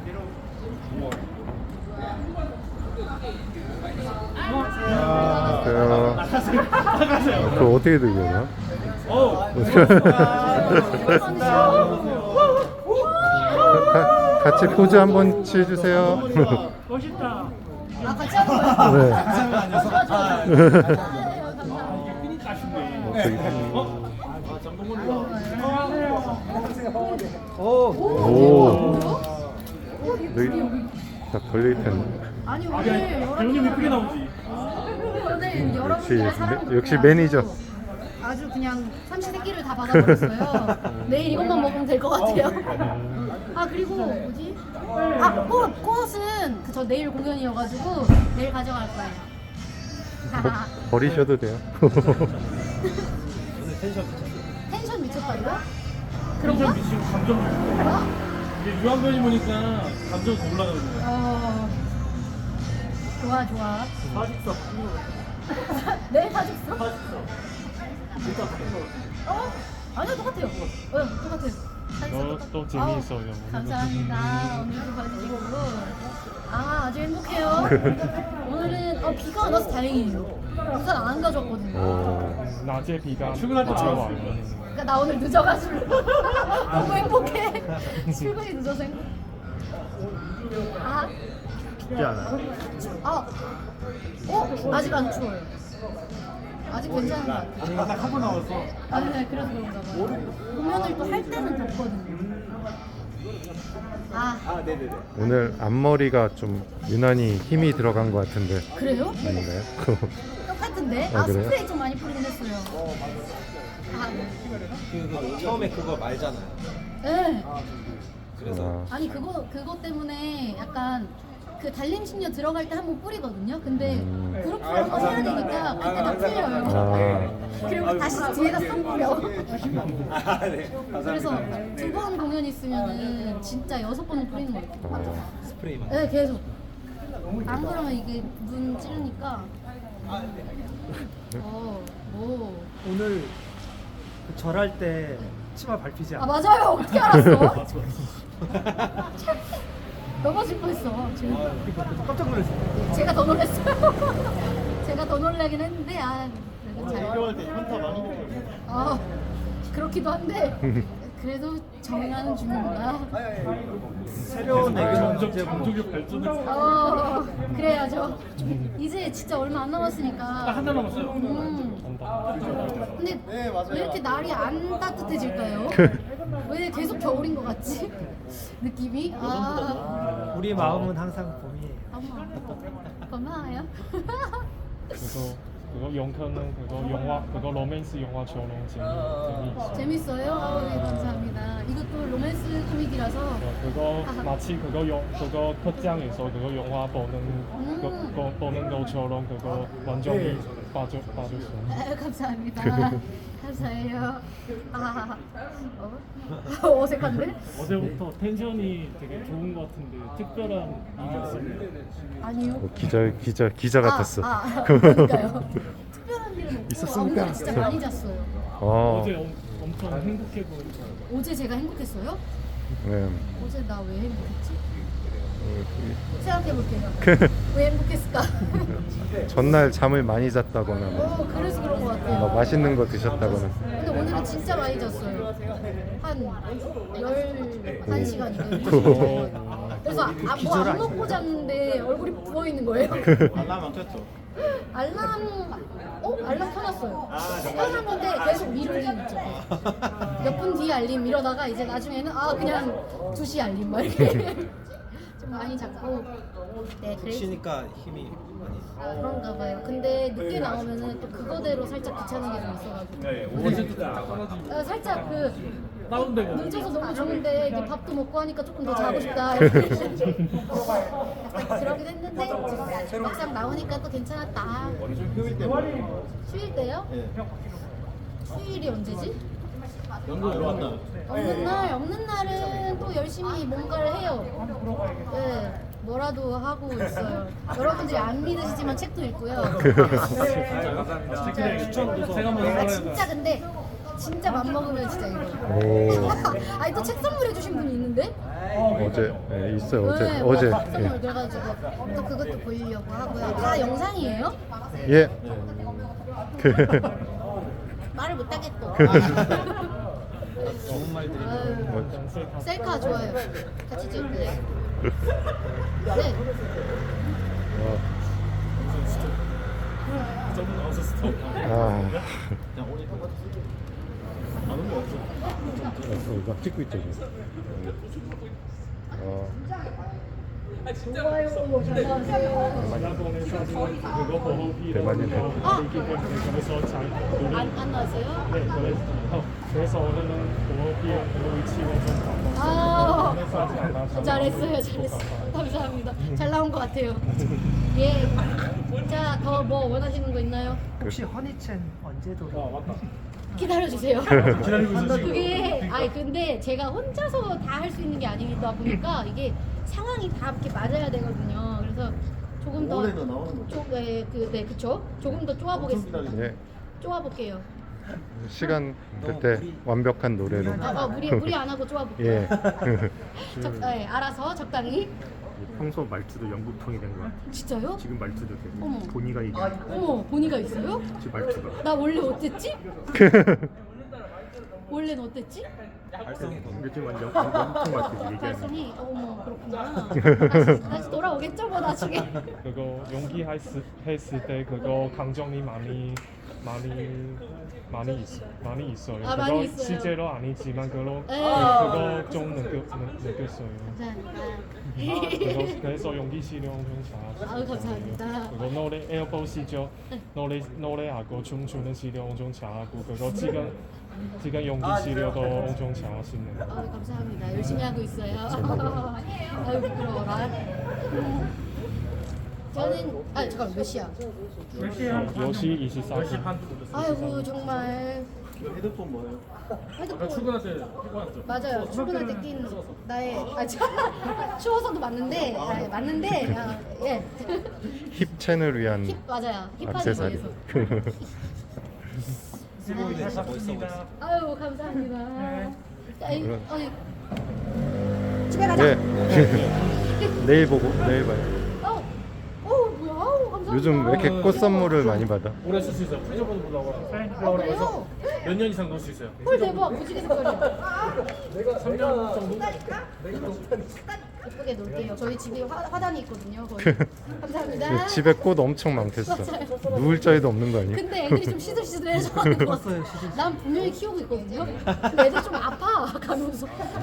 안녕하세요. 그거 어떻게 들려나? 같이 포즈 한번 취해주세요. 멋있다. 아 같이 하는 거예요? 오. 딱 걸려있던. 아니 오늘 배우님 이쁘게 나오지. 오늘 여러분들의 사랑도 역시 그냥 매니저. 아주 그냥 삼시세끼를 다 받아버렸어요. 내일 이것만 먹으면 될 것 같아요. 아 그리고 뭐지? 아 꽃은 저 내일 공연이어가지고 내일 가져갈 거예요. 버리셔도 돼요. 텐션 미쳤다고요? 그런가? 미치고 감정. 이게 유한변이 보니까 감정이 더 올라가는 거야. 좋아 좋아. 사직서. 내일 사직서? 일단 아니요 똑같아요. 똑같아요. 또 재미있어요. 감사합니다. 오늘도 봐주시고 아주 행복해요. 오늘은 비가 안 와서 다행이에요. 우산 안 가져왔거든요. 낮에 비가 출근할 때 와요. 그러니까 나 오늘 늦어가지고 너무 행복해. 출근이 늦어서 행복. 쉽지 않아요. 아직 안 추워요. 아직 괜찮은 것 같아요. 딱 하고 나왔어. 네, 그래서 그런가 봐요. 공연을 또 할 때는 덥거든요. 네네네. 오늘 앞머리가 좀 유난히 힘이 들어간 것 같은데 그래요? 아닌가요? 똑같은데? 아, 그래요? 스프레이 좀 많이 뿌리긴 했어요. 처음에 그거 말잖아요. 네. 그래서 아니 그거 때문에 약간 그 달림신녀 들어갈 때 한번 뿌리거든요. 근데 그룹 한번 해야 되니까 그때 다 풀려요. 그리고 다시 뒤에다 쏙 뿌려. 네. 그래서 2번 공연 있으면은 진짜 6번은 뿌리는 거 같아요. 스프레이만. 네, 계속. 안 그러면 이게 눈 찌르니까. 오. 오늘 그 절할 때 치마 밟히지 않아? 맞아요. 어떻게 알았어? 넘어질 뻔했어. 지금. 깜짝 놀랐어요. 제가 더 놀랐어요. 제가 더 놀라긴 했는데 그래도 잘. 할 때 현타 많이 먹어요. 그렇기도 한데 그래도 정리하는 중입니다. 새로운 점점 장족의 발전을. 그래야죠. 이제 진짜 얼마 안 남았으니까. 한 달 남았어요. 근데 왜 이렇게 날이 안 따뜻해질까요? 왜 계속 겨울인 것 같지? 느낌이? 우리 마음은 항상 봄이에요. 고마워요. 그거 영화는 그거 영화 그거 로맨스 영화처럼 재미있어. 재밌어요? 네, 감사합니다. 이것도 로맨스 코미디라서 그거 마치 그거 극장에서 그거 영화 보는 것처럼 그거 완전히 빠졌어. 감사합니다. 감사해요. 어색한데? 어제부터 텐션이 되게 좋은 것 같은데 특별한 일이 있었나요? 아니요. 기자 같았어. 그러니까요. 특별한 일은 없고 있었습니까? 오늘 진짜 많이 잤어요. 어제 엄청 행복해 보이더라고요. 어제 제가 행복했어요? 네. 어제 나 왜 행복했지? 생각해볼게요. 왜 행복했을까? 전날 잠을 많이 잤다거나 뭐, 그래서 그런 것 같아요. 뭐 맛있는 거 드셨다거나. 근데 오늘은 진짜 많이 잤어요. 한 11시간이네요. 그래서 뭐 안 먹고 잤는데 얼굴이 부어있는 거예요. 알람 안 켰죠? 알람 켜놨어요. 켜놨는데 계속 미루기 있죠. 몇 분 뒤에 알림 이러다가 이제 나중에는 그냥 2시 알림 막 이렇게 좀 많이 잤고. 네, 그래서 쉬니까 힘이 많이. 그런가 봐요. 근데 늦게 나오면은 또 그거대로 살짝 귀찮은 게 좀 있어가지고. 오버제도 살짝 다운되고. 늦어서 너무 좋은데 이제 밥도 먹고 하니까 조금 더 자고 싶다. 약간 그러긴 했는데 막상 나오니까 또 괜찮았다. 휴일 때요? 휴일이 언제지? 없는 날은 또 열심히 뭔가를 해요. 네, 뭐라도 하고 있어요. 여러분들이 안 믿으시지만 책도 읽고요. 추천도 제가 한번 진짜 근데 진짜 맘 먹으면 진짜 이거. 아니 또 책 선물해 주신 분이 있는데? 어제 네, 있어요. 어제 네, 어제 깜짝 예. 놀래가지고 또 그것도 보이려고 하고요. 다 영상이에요? 예. 말을 못하겠고. 좋은 말들이 아유, 셀카 좋아요. 같이 찍을래요? 네. 저분 나와서 스톱. 아, 그냥 오니까 안 오면 없어. 막 찍고 있죠 지금. 좋아요. 잘 나왔어요. 일본에서 그거 보호비 대만이네. 그래서 잘 안 나왔어요? 네, 그래서 오늘은 보호비 위치를 좀 바꿔서 아, 해서 아직 안 나왔어요. 잘했어요. 감사합니다. 잘 나온 것 같아요. 예. 자, 더 뭐 원하시는 거 있나요? 혹시 허니첸 언제 돌아? 맞다. 기다려주세요. 기다리고 있어 지금. 그게 아니 근데 제가 혼자서 다 할 수 있는 게 아니다 보니까 이게 상황이 다 이렇게 맞아야 되거든요. 그래서 조금 더 올해도 나오는 거죠? 네, 그쵸. 조금 더 쪼아보겠습니다. 예. 쪼아볼게요. 시간 될 때 완벽한 노래로. 무리 안 하고 쪼아볼게요. 예. 네, 알아서 적당히. 평소 말투도 영국풍이 된 거야. 진짜요? 지금 말투도 되게 어머. 본의가 이게 어머, 본의가 있어요? 지금 말투가 나 원래 어땠지? 원래는 어땠지? 요즘 완전 영국풍 말투 얘기하는. 말씀이 어머 그렇구나. 다시 돌아오겠죠 뭐 나중에. 그거 연기했을 때 그거 감정이 많이 있어요. 아, 그거 많이 있어요. 실제로 아니지만 그거 좀 느꼈어요. 감사합니다. 그래서 연기 실력 좀 잘. 아유, 감사합니다. 그거 노래 에어보시죠. 노래하고 춤추는 실력 엄청 잘하고 그거 지금 연기 실력도 엄청 잘하시네요. 아유, 감사합니다. 열심히 하고 있어요. 아유 부끄러워라. 저는 잠깐 몇 시야? 10시 24분. 아이고 정말 헤드폰 뭐예요? 핸드폰 출근할 때 해봤죠. 맞아요. 출근할 때 낀 나의 추워서도 맞는데 예. 힙 채널을 위한 힙 맞아요. 힙하기 액세서리. 위해서. 멋있어 보였어. 아유 감사합니다. 아유, 그럼. 아유. 집에 가자. 예. 내일 보고 내일 봐요. 뭐야? 아우, 감사합니다. 요즘 왜 이렇게 꽃 선물을 많이 받아? 오래 쓸 수 있어요. 프리저번호 보려고 그래요? 몇 년 이상 넣을 수 있어요. 헐 대박. 무지개 색깔이야. 3년 정도? 예쁘게 놓을게요. 저희 집에 화단이 있거든요. 거의. 감사합니다. 집에 꽃 엄청 많겠어. 누울 자리도 없는 거 아니야? 근데 애들이 좀 시들시들해서 하는 거 같아. 난 분명히 키우고 있거든요. 근데 애들 좀 아파 가면서.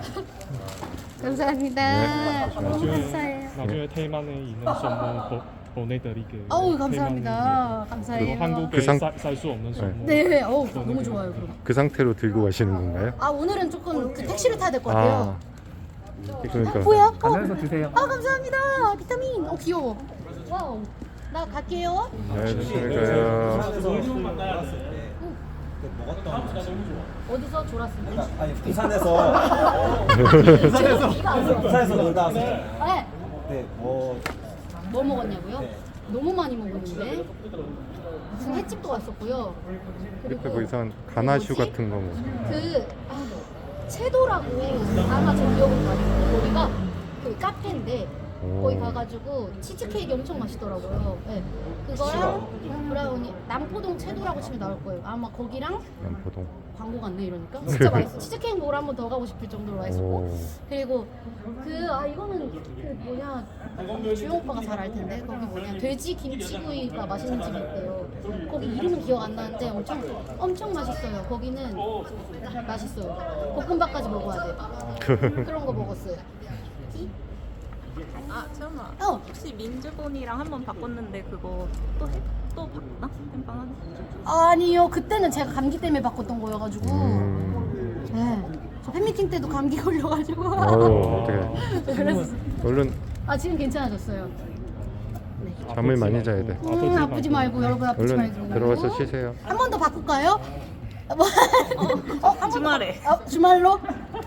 감사합니다. 너무 감사해요. 나중에 테이만에 있는 선물 보내드릴게요. 어우 감사합니다. 감사해요. 한국에 상- 살 수 없는 선물. 네, 어우 너무 좋아요. 그럼. 그 상태로 들고 가시는 건가요? 아 오늘은 조금 그 택시를 타야 될 것 같아요. 그러니까 뭐야? 가면서 드세요. 아 감사합니다. 비타민. 귀여워. 와우. 나 갈게요. 네, 조심히 가요. 어디서 졸았을 때? 아니 부산에서 비가 안 와. 부산에서 놀다 왔어요. 네. 네, 뭐 뭐 먹었냐고요? 네. 너무 많이 먹었는데 무슨 횟집도 왔었고요. 옆에 뭐 이상한 가나슈 같은 거 뭐. 채도라고 아마 저 기억으로 가요. 거기가 그 카페인데 오. 거기 가가지고 치즈케이크 엄청 맛있더라고요. 네. 그거랑 브라우니 남포동 채도라고 치면 나올 거예요. 아마 거기랑 남포동. 광고 같네 이러니까 진짜 맛있어. 치즈케이크 먹으러 한 번 더 가고 싶을 정도로 맛있었고 오. 그리고 이거는 그 뭐냐 주영 오빠가 잘 알 텐데 거기 뭐냐 돼지 김치구이가 맛있는 집이 있대요. 거기 이름은 기억 안 나는데 엄청 맛있어요. 거기는 맛있어요. 볶음밥까지 먹어야 돼. 그런 거 먹었어요. 아, 채연아. 어. 혹시 민주본이랑 한 번 바꿨는데 그거 또 바꿨나? 땜빵 하나? 아니요 그때는 제가 감기 때문에 바꿨던 거여가지고 네. 저 팬미팅 때도 감기 걸려가지고 어떻게? 그래서 얼른 지금 괜찮아졌어요. 잠을 많이 자야 돼. 아프지 말고 여러분 아프지 얼른 말고 들어가서 쉬세요. 한 번 더 바꿀까요? 한 주말에. 주말로?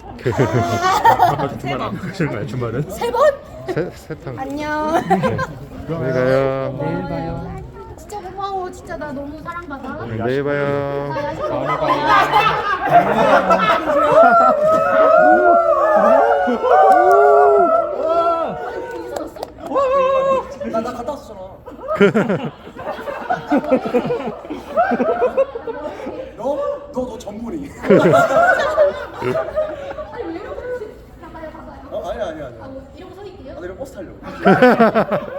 주말은? 세 번? 세탕. 안녕. 안녕히 가요. 내일 봐요. 진짜 고마워. 진짜 나 너무 사랑받아. 내일 봐요. 야, 나 갔다 왔었잖아. 너 전문이. 아니 왜 이러고 가봐요. 아니야. 뭐 이러고 서 있게요? 나 이런 버스 타려고.